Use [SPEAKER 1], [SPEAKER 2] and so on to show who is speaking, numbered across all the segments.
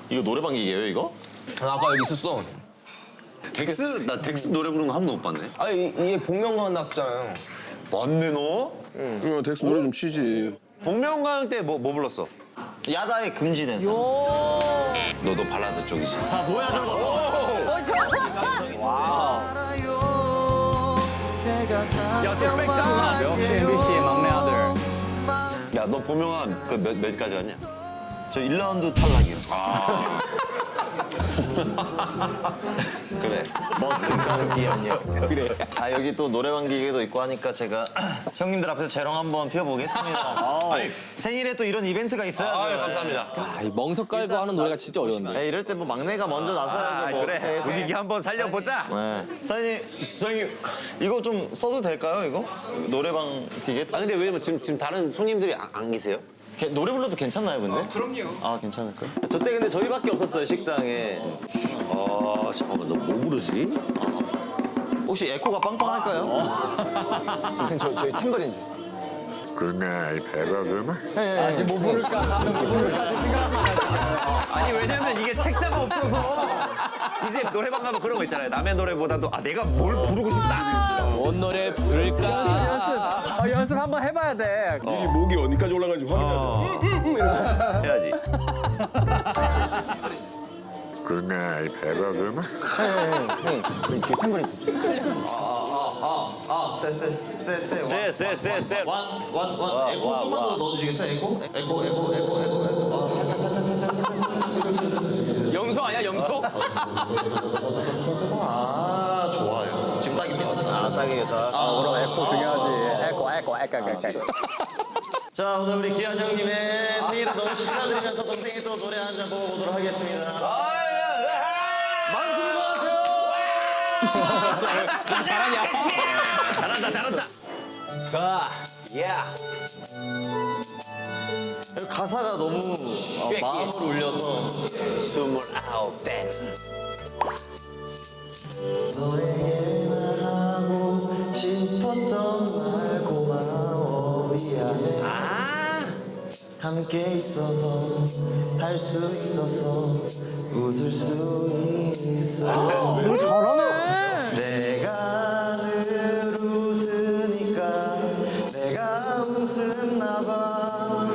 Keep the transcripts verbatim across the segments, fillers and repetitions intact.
[SPEAKER 1] 이거 노래방 기계예요 이거?
[SPEAKER 2] 아, 아까 여기 있었어.
[SPEAKER 3] 덱스? 나 덱스 노래 부르는 거 한 번도 못 봤네.
[SPEAKER 2] 아니, 이- 이게 복면가왕 나왔었잖아요.
[SPEAKER 3] 맞네 너?
[SPEAKER 4] 그러면 덱스 노래 좀 치지.
[SPEAKER 3] 복면가왕 때 뭐 뭐 불렀어?
[SPEAKER 1] 야다에 금지된 사람.
[SPEAKER 3] 너도 발라드 쪽이지.
[SPEAKER 1] 아 뭐야 저거?
[SPEAKER 3] 야저 백장가.
[SPEAKER 5] 역시 엠비씨의 막내 아들.
[SPEAKER 3] 야 너 복면가왕 그몇 몇까지 왔냐?
[SPEAKER 1] 저 일 라운드 탈락이요.
[SPEAKER 3] 그래.
[SPEAKER 1] 머스가 기억이요. 그래. 아 여기 또 노래방 기계도 있고 하니까 제가 형님들 앞에서 재롱 한번 피워보겠습니다.
[SPEAKER 3] 아니,
[SPEAKER 1] 생일에 또 이런 이벤트가 있어야죠.
[SPEAKER 3] 아유 감사합니다.
[SPEAKER 2] 아, 이 멍석 깔고 하는 노래가 진짜 어려운데.
[SPEAKER 1] 에, 이럴 때 뭐 막내가 먼저 나서야죠. 뭐. 네.
[SPEAKER 3] 분위기 한번 살려보자.
[SPEAKER 1] 네. 사장님, 사장님 이거 좀 써도 될까요 이거? 노래방 기계?
[SPEAKER 3] 아 근데 왜냐면 지금 지금 다른 손님들이 안, 안 계세요?
[SPEAKER 1] 게- 노래 불러도 괜찮나요 근데? 그럼요. 아 괜찮을까요? 저 때 근데 저희밖에 없었어요 식당에.
[SPEAKER 3] 아 잠깐만 너 뭐 부르지?
[SPEAKER 1] 혹시 에코가 빵빵할까요?
[SPEAKER 2] 그냥 저, 저희 탬버린 줄.
[SPEAKER 6] 그날 배가 그만
[SPEAKER 5] 아직 뭐 부를까?
[SPEAKER 3] 아니 왜냐면 이게 책자가 없어서 이제 노래방 가면 그런 거 있잖아요. 남의 노래보다도 아 내가 뭘 부르고 싶다.
[SPEAKER 2] 뭔 노래 부를까?
[SPEAKER 5] 어, 연습 한번 해봐야 돼.
[SPEAKER 4] 미리 목이 어디까지 올라가는지 확인해야 돼.
[SPEAKER 3] 해야지.
[SPEAKER 6] 그날 배가 그만
[SPEAKER 2] 뒤에 탬버린 줄.
[SPEAKER 3] 쎄쎄쎄쎄.
[SPEAKER 1] 원원 에코 좀만 더 넣어주시겠어요 에코? 에코 에코 에코 에코.
[SPEAKER 2] 염소 아니야, 염소?
[SPEAKER 1] 아 좋아요. 지금 딱입니다. 아 딱이겠다.
[SPEAKER 5] 아, 그럼 에코 중요하지. 에코, 에코, 에코, 에코.
[SPEAKER 1] 자 오늘 우리 기한 형님의 생일을 너무 축하드리면서 동생이 또 노래 한 잔 뽑아보도록 하겠습니다.
[SPEAKER 2] 잘하냐?
[SPEAKER 3] 잘한다 잘한다. 자, 야.
[SPEAKER 1] 가사가 너무 어, 마음을 울려서
[SPEAKER 3] 스물아홉 댄스.
[SPEAKER 1] 너에게나 하고 싶었던 말 고마워 미안해
[SPEAKER 3] 아.
[SPEAKER 1] 함께 있어서 할 수 있어서 웃을 수 있어
[SPEAKER 5] 너 잘하네.
[SPEAKER 1] 내가 늘 웃으니까 내가 웃었나 봐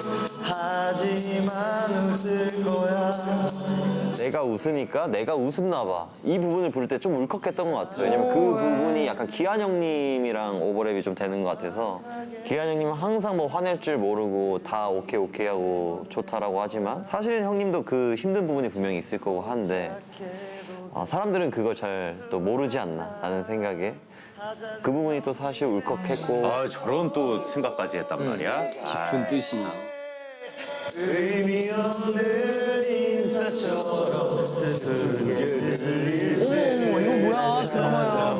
[SPEAKER 1] 하지만 웃을 거야 내가 웃으니까 내가 웃었나 봐이 부분을 부를 때 좀 울컥했던 것 같아요 왜냐면 그 부분이 약간 기한 형님이랑 오버랩이 좀 되는 것 같아서 기한 형님은 항상 뭐 화낼 줄 모르고 다 오케이 오케이 하고 좋다라고 하지만 사실 형님도 그 힘든 부분이 분명히 있을 거고 한데 아, 사람들은 그걸 잘 또 모르지 않나 라는 생각에 그 부분이 또 사실 울컥했고
[SPEAKER 3] 아 저런 또 생각까지 했단 말이야.
[SPEAKER 2] 깊은 뜻이.
[SPEAKER 1] 의미 없는 인사처럼 스스로게 들릴 때
[SPEAKER 5] 오, 이거 뭐야? 드라마야.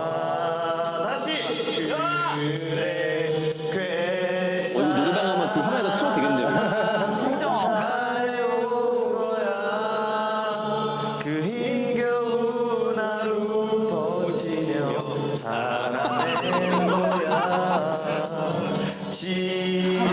[SPEAKER 1] 다시 그래 그래
[SPEAKER 2] 이거 노래방 가면 그 화면에다 틀어도 되겠네요.
[SPEAKER 5] 진짜.
[SPEAKER 1] 그 힘겨운 하루 버티며 살아낸 거야 지지마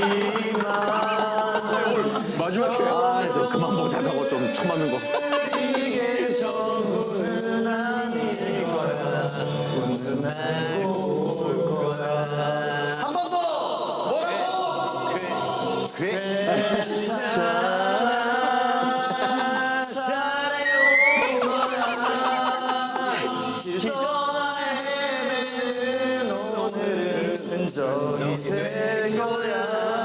[SPEAKER 4] 마지막에
[SPEAKER 1] 아, 저
[SPEAKER 3] 그만 보자고 좀 처맞는 거.
[SPEAKER 1] 이게 전부는 아닐 거야 웃는 날고 올 거야 한 번 더 뭐라고 그래 그래 괜찮아 잘해요 길 떠나 헤매는 오늘은 흔적이 될 거야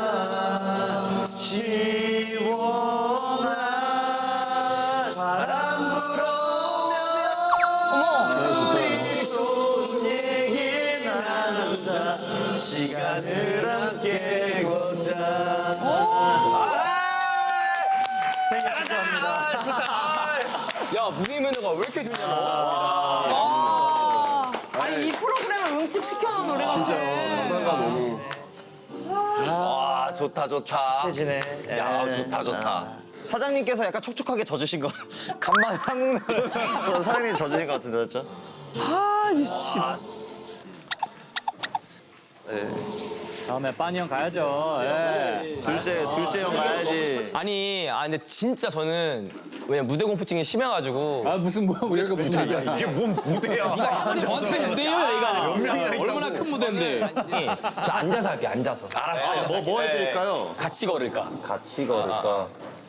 [SPEAKER 1] 시원한 바람 불어오면 우리 좋은 얘기 나누자 시간을 함께 걷자 생일 축하합니다
[SPEAKER 2] 야, 분위기 매너가 왜 이렇게 좋냐, 너.
[SPEAKER 7] 아, 아니 이 프로그램을 응축시켜놓은 노래가
[SPEAKER 4] 진짜 가사가 너무
[SPEAKER 3] 아 좋다 좋다.
[SPEAKER 1] 해지네
[SPEAKER 3] 야 좋다 좋다.
[SPEAKER 1] 사장님께서 약간 촉촉하게 져주신 거 간만 향 사장님 져주신 것 같은데 그렇죠?
[SPEAKER 5] 다음에 빠니 형 가야죠. 예.
[SPEAKER 1] 둘째 둘째 형 가야지
[SPEAKER 2] 아니, 아 근데 진짜 저는 왜냐 무대 공포증이 심해가지고.
[SPEAKER 5] 아 무슨 뭐야 우리가 무대야.
[SPEAKER 3] 이게 뭔 무대야?
[SPEAKER 2] 네가 저한테 무대예요, 얘가. 얼마나 큰 무대인데. 저 앉아서 할게, 앉아서.
[SPEAKER 3] 알았어. 뭐 뭐 해드릴까요?
[SPEAKER 2] 같이 걸을까?
[SPEAKER 1] 같이 걸을까?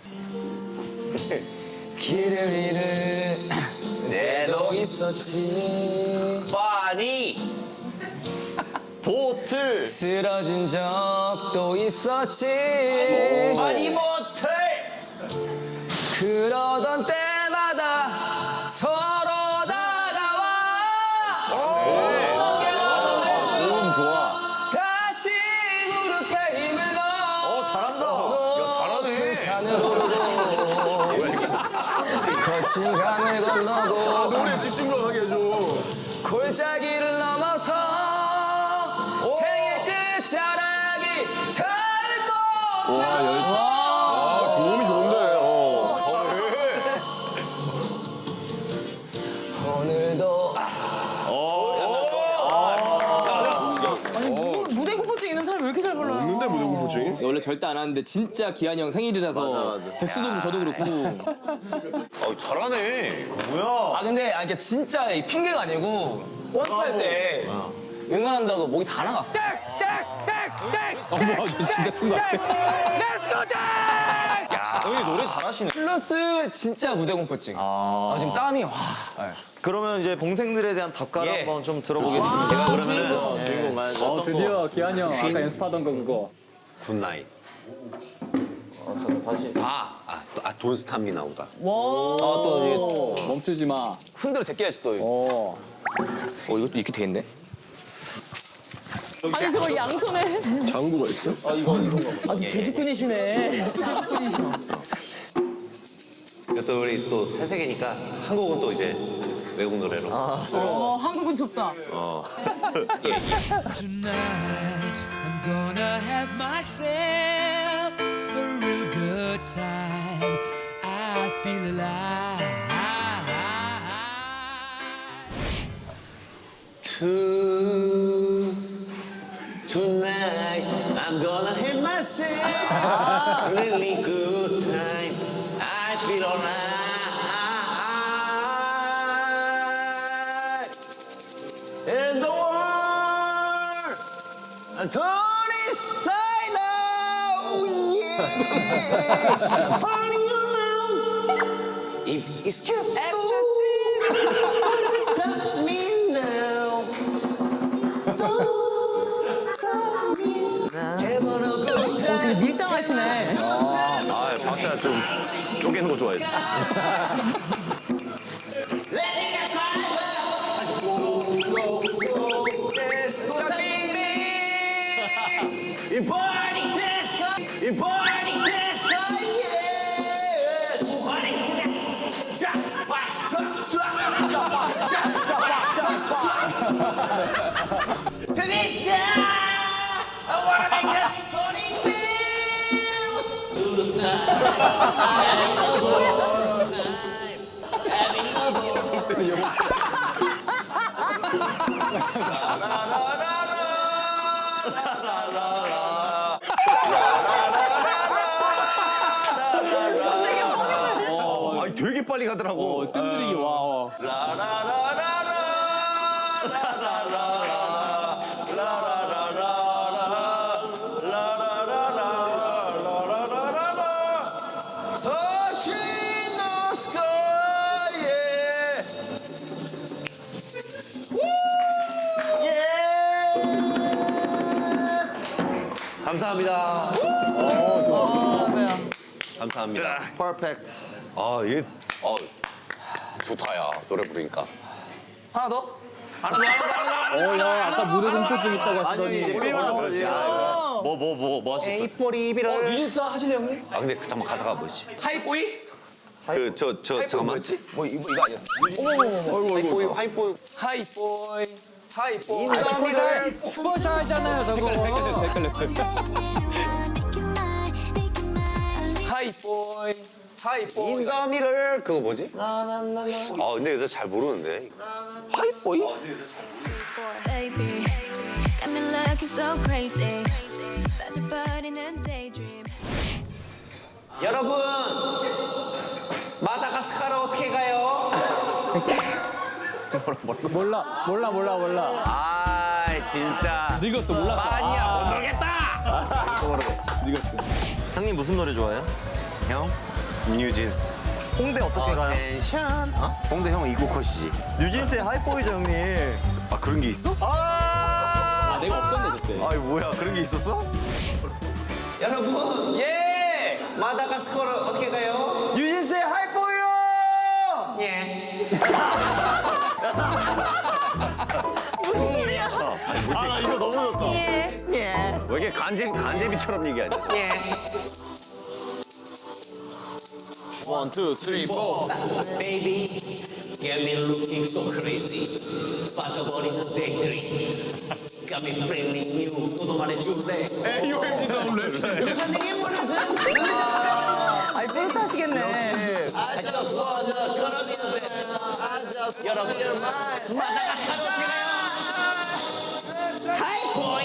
[SPEAKER 2] 길을 잃은 내도 있었지.
[SPEAKER 1] 파니 보틀
[SPEAKER 2] 쓰러진 적도 있었지.
[SPEAKER 1] 파니 보틀
[SPEAKER 2] 그러던 때마다 서로 다가와.
[SPEAKER 1] 고음 좋아.
[SPEAKER 2] 다시 무릎에 힘을 넣어.
[SPEAKER 3] 어 잘한다. 야 잘하네.
[SPEAKER 2] 산을 오르고 거친 강을 건너고
[SPEAKER 4] 노래 집중력 하게 해줘.
[SPEAKER 2] 골짜기를 넘어서 생의 끝자락이 닿을 곳으로.
[SPEAKER 4] 아, 고음이 좋은데. 어.
[SPEAKER 2] 오늘도
[SPEAKER 7] 아니 뭐, 무대 공포증 있는 사람이 왜 이렇게 잘 불러요?
[SPEAKER 4] 없는데 무대 공포증이?
[SPEAKER 2] 원래 절대 안 하는데 진짜 기한이 형 생일이라서 백수도 그렇고 저도 그렇고.
[SPEAKER 3] 어 잘하네. 뭐야?
[SPEAKER 2] 아 근데 아니 그러니까 진짜 이 핑계가 아니고 원할 때 응원한다고 목이 다 나갔어. 어 뭐야 저 진짜 튼 것 같아.
[SPEAKER 3] 야 형이 노래 잘하시네.
[SPEAKER 2] 플러스 진짜 무대 공포증. 아, 지금 땀이 와.
[SPEAKER 1] 그러면 이제 동생들에 대한 답가를
[SPEAKER 3] 예.
[SPEAKER 1] 한번 좀 들어보겠습니다. 제가 그러면은
[SPEAKER 3] 주인공만
[SPEAKER 5] 어 드디어 기한이 형 아까 연습하던 거 그거.
[SPEAKER 3] 굿나잇.
[SPEAKER 1] 어, 저는 다시
[SPEAKER 3] 아, 아, 또, 아 돈스타미나 보다.
[SPEAKER 2] 아또 이게
[SPEAKER 5] 멈추지 마.
[SPEAKER 2] 흔들어 제껴야지 또.
[SPEAKER 5] 어.
[SPEAKER 2] 어 이것도 이렇게 돼 있네.
[SPEAKER 7] 아니 저걸 양손에
[SPEAKER 4] 장구가 있어?
[SPEAKER 7] 아주 제주꾼이시네.
[SPEAKER 3] 또 우리 또 태색이니까 한국은 또 이제 외국 노래로.
[SPEAKER 7] 어 한국은 좁다.
[SPEAKER 8] Tonight I'm gonna have myself a real good time. I feel alive.
[SPEAKER 1] To tonight I'm gonna have myself a really good time. I feel alright. And the world turn inside out, yeah. Falling around. If it's just stop me now. Don't stop me now. Having a good time.
[SPEAKER 7] 되게 밀당하시네.
[SPEAKER 3] 아, 박자 좀 쪼개는 거 좋아해.
[SPEAKER 1] 이 party disco, 이 party disco, yeah. party disco. 재밌다. I wanna make a sonic beam. To the night. Having a good time.
[SPEAKER 3] 아니 되게 빨리 가더라고.
[SPEAKER 2] 뜸들이기 와.
[SPEAKER 1] 감사합니다.
[SPEAKER 7] 아, 네.
[SPEAKER 1] 감사합니다. 퍼펙트.
[SPEAKER 3] 아 이게 어 좋다 야 노래 부르니까.
[SPEAKER 2] 하나 더?
[SPEAKER 5] 어야 아까 무대 공포증 있다고 하시더니.
[SPEAKER 1] 뭐 뭐 뭐 뭐 하실 거예요? 에이포리비를
[SPEAKER 2] 뉴진스 하실래요 형님?
[SPEAKER 3] 아 근데 그 잠깐 가사가 뭐였지?
[SPEAKER 2] 하이보이?
[SPEAKER 3] 그 저 저 잠깐만.
[SPEAKER 2] 뭐였지? 뭐 이거 이거 아니었어?
[SPEAKER 1] 하이보이 하이보이
[SPEAKER 2] 하이보이. 하이보이.
[SPEAKER 1] 인사미를
[SPEAKER 5] 슈퍼샤이잖아요 저거.
[SPEAKER 2] 하이보이. 하이보이.
[SPEAKER 1] 인사미를
[SPEAKER 3] 그거 뭐지?
[SPEAKER 1] 나나나나
[SPEAKER 3] 아 근데 여자 잘 모르는데. 하이보이?
[SPEAKER 9] Baby, got me looking so crazy. About your body and daydream.
[SPEAKER 3] 여러분 마다가스카르 어떻게 가요?
[SPEAKER 5] 몰라 몰라 몰라 몰라.
[SPEAKER 3] 아 진짜
[SPEAKER 5] 늙었어 몰랐어.
[SPEAKER 3] 아니야 못 놀겠다.
[SPEAKER 1] 형님 무슨 노래 좋아해요?
[SPEAKER 3] 형 뉴진스.
[SPEAKER 1] 홍대 어떻게 가요?
[SPEAKER 3] 텐션. 어?
[SPEAKER 1] 홍대 형 이국 컷이지. 뉴진스의 하이보이죠 형님.
[SPEAKER 3] 아 그런 게 있어?
[SPEAKER 5] 아 내가 없었네 그때.
[SPEAKER 3] 아이 뭐야 그런 게 있었어? 여러분
[SPEAKER 2] 예!
[SPEAKER 3] 마다가스카르 어떻게 가요?
[SPEAKER 1] 뉴진스의 하이보이요.
[SPEAKER 3] 예.
[SPEAKER 1] 아나 이거 너무 좋다.
[SPEAKER 7] 예. 예.
[SPEAKER 1] 왜 이렇게 간제비 간제비처럼 얘기하냐?
[SPEAKER 3] 예.
[SPEAKER 1] 원, 투, 쓰리, 포.
[SPEAKER 10] Baby, get me looking so crazy. 빠져버리는 daydream. Got me feeling you. 너도 말해줄래?
[SPEAKER 4] 에이오엠지 나올래.
[SPEAKER 7] 아이 뿌듯하시겠네.
[SPEAKER 10] I just wanna 걸어미는데. 여러분, 마다가스카르 어떻게 가요? 하이보이.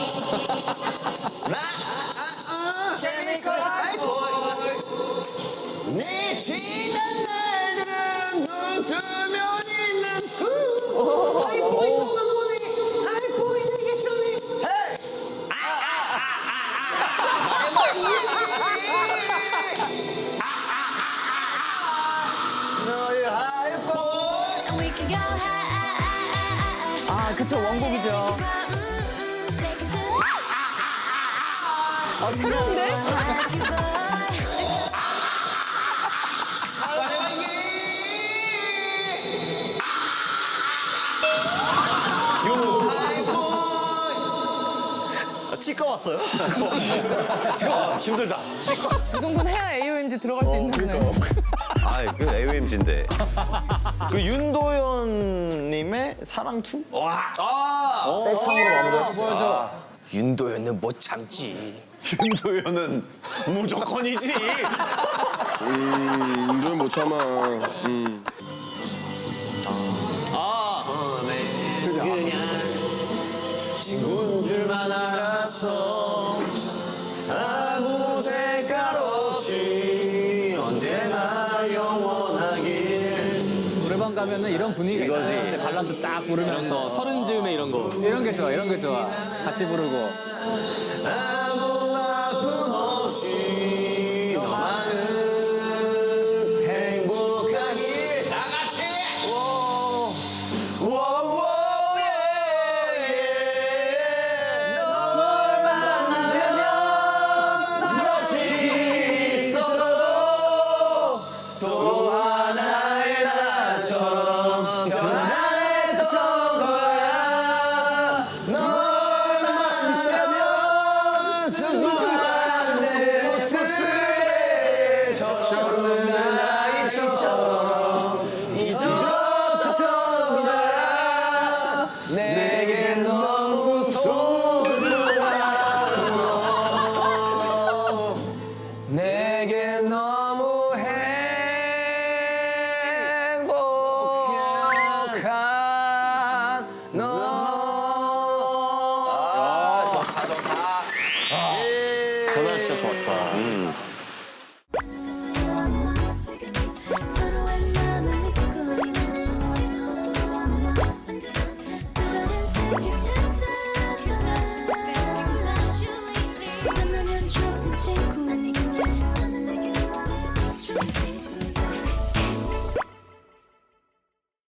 [SPEAKER 10] 케미컬 하이보이. 내 지난 날들은 눈 뜨면 있는 후. 하이보이 보니 하이보이 되게 좋니. 헤이.
[SPEAKER 3] 너의 하이보이.
[SPEAKER 9] And we can go high.
[SPEAKER 7] 아 그쵸 원곡이죠.
[SPEAKER 9] Take it to
[SPEAKER 7] 아 새로운데?
[SPEAKER 1] 치과 왔어요? 치과 힘들다. 치과.
[SPEAKER 7] 이 정도는 해야 에이오엠지 들어갈 수 있는 거네.
[SPEAKER 1] 아이 그 에이오엠지인데. 그 윤도현님의 사랑 투?
[SPEAKER 2] 아!
[SPEAKER 5] 떼창으로 마무리했어.
[SPEAKER 10] 윤도현은 못 참지.
[SPEAKER 3] 윤도현은 무조건이지.
[SPEAKER 4] 음, 이건 못 참아. 음.
[SPEAKER 3] 그냥 친구인 줄만 알았어. 아무 색깔 없이 언제나 영원하길.
[SPEAKER 5] 노래방 가면은 이런 분위기가 있거든. 발라드 딱 부르면서 서른 즈음에 이런 거. 이런 게 좋아 이런 게 좋아. 같이 부르고.
[SPEAKER 3] 아무 아픔 없이 너만은 행복하길.
[SPEAKER 10] 다 같이.
[SPEAKER 3] 워워 널 만나면 멋이 있어도 또 하나의 나처럼 변화했던 거야. 널 만나면 순수한 내 모습에 젖어오는 아이처럼 잊었던 거야. 내게 너무 소중한 너. 내게 너무 행복한 너. 아, 좋다, 좋다.
[SPEAKER 1] 전화 진짜 좋았다. 음.
[SPEAKER 9] 지금 이 서로의 마음을 믿고 있는 새로운 꿈을 만들어 또 다른 세계 찾아가. 만나면 좋은 친구인데 너는 내게 어때? 좋지.